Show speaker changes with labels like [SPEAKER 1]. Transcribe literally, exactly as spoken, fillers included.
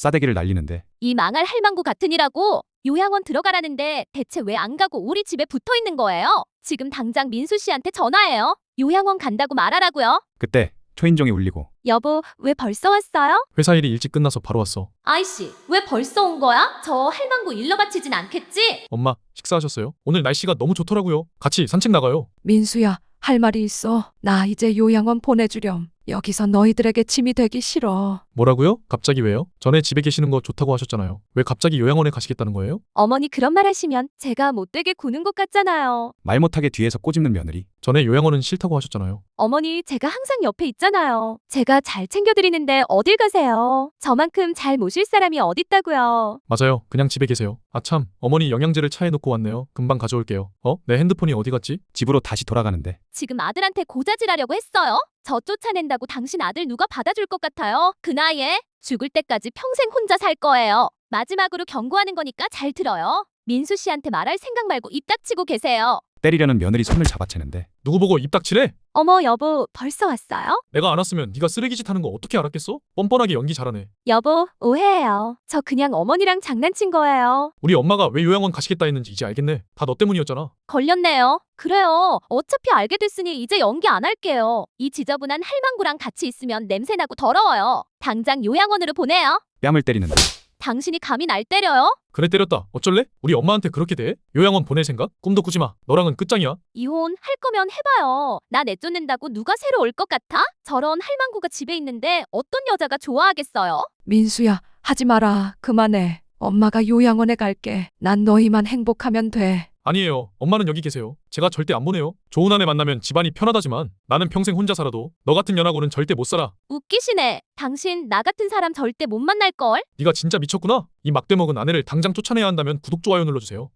[SPEAKER 1] 싸대기를 날리는데
[SPEAKER 2] 이 망할 할망구 같으니라고 요양원 들어가라는데 대체 왜 안 가고 우리 집에 붙어 있는 거예요? 지금 당장 민수 씨한테 전화해요. 요양원 간다고 말하라고요.
[SPEAKER 1] 그때 초인종이 울리고
[SPEAKER 2] 여보, 왜 벌써 왔어요?
[SPEAKER 3] 회사 일이 일찍 끝나서 바로 왔어.
[SPEAKER 2] 아이씨, 왜 벌써 온 거야? 저 할망구 일러 바치진 않겠지?
[SPEAKER 3] 엄마, 식사하셨어요? 오늘 날씨가 너무 좋더라고요. 같이 산책 나가요.
[SPEAKER 4] 민수야, 할 말이 있어. 나 이제 요양원 보내주렴. 여기서 너희들에게 짐이 되기 싫어.
[SPEAKER 3] 뭐라고요? 갑자기 왜요? 전에 집에 계시는 거 좋다고 하셨잖아요. 왜 갑자기 요양원에 가시겠다는 거예요?
[SPEAKER 2] 어머니 그런 말 하시면 제가 못되게 구는 것 같잖아요.
[SPEAKER 1] 말 못하게 뒤에서 꼬집는 며느리.
[SPEAKER 3] 전에 요양원은 싫다고 하셨잖아요.
[SPEAKER 2] 어머니, 제가 항상 옆에 있잖아요. 제가 잘 챙겨드리는데 어딜 가세요? 저만큼 잘 모실 사람이 어딨다고요.
[SPEAKER 3] 맞아요. 그냥 집에 계세요. 아참, 어머니 영양제를 차에 놓고 왔네요. 금방 가져올게요. 어? 내 핸드폰이 어디 갔지?
[SPEAKER 1] 집으로 다시 돌아가는데
[SPEAKER 2] 지금 아들한테 고자질하려고 했어요? 저 쫓아낸다고 당신 아들 누가 받아줄 것 같아요? 그 나이에 죽을 때까지 평생 혼자 살 거예요. 마지막으로 경고하는 거니까 잘 들어요. 민수 씨한테 말할 생각 말고 입 닥치고 계세요.
[SPEAKER 1] 때리려는 며느리 손을 잡아채는데
[SPEAKER 3] 누구 보고 입 닥치래?
[SPEAKER 2] 어머, 여보, 벌써 왔어요?
[SPEAKER 3] 내가 안 왔으면 네가 쓰레기짓 하는 거 어떻게 알았겠어? 뻔뻔하게 연기 잘하네.
[SPEAKER 2] 여보, 오해해요. 저 그냥 어머니랑 장난친 거예요.
[SPEAKER 3] 우리 엄마가 왜 요양원 가시겠다 했는지 이제 알겠네. 다 너 때문이었잖아.
[SPEAKER 2] 걸렸네요. 그래요. 어차피 알게 됐으니 이제 연기 안 할게요. 이 지저분한 할망구랑 같이 있으면 냄새나고 더러워요. 당장 요양원으로 보내요.
[SPEAKER 1] 뺨을 때리는데
[SPEAKER 2] 당신이 감히 날 때려요?
[SPEAKER 3] 그래 때렸다. 어쩔래? 우리 엄마한테 그렇게 대해? 요양원 보낼 생각? 꿈도 꾸지 마. 너랑은 끝장이야.
[SPEAKER 2] 이혼 할 거면 해봐요. 나 내쫓는다고 누가 새로 올 것 같아? 저런 할망구가 집에 있는데 어떤 여자가 좋아하겠어요?
[SPEAKER 4] 민수야, 하지 마라. 그만해. 엄마가 요양원에 갈게. 난 너희만 행복하면 돼.
[SPEAKER 3] 아니에요. 엄마는 여기 계세요. 제가 절대 안 보내요. 좋은 아내 만나면 집안이 편하다지만 나는 평생 혼자 살아도 너 같은 연하고는 절대 못 살아.
[SPEAKER 2] 웃기시네. 당신 나 같은 사람 절대 못 만날걸?
[SPEAKER 3] 네가 진짜 미쳤구나. 이 막대 먹은 아내를 당장 쫓아내야 한다면 구독, 좋아요 눌러주세요.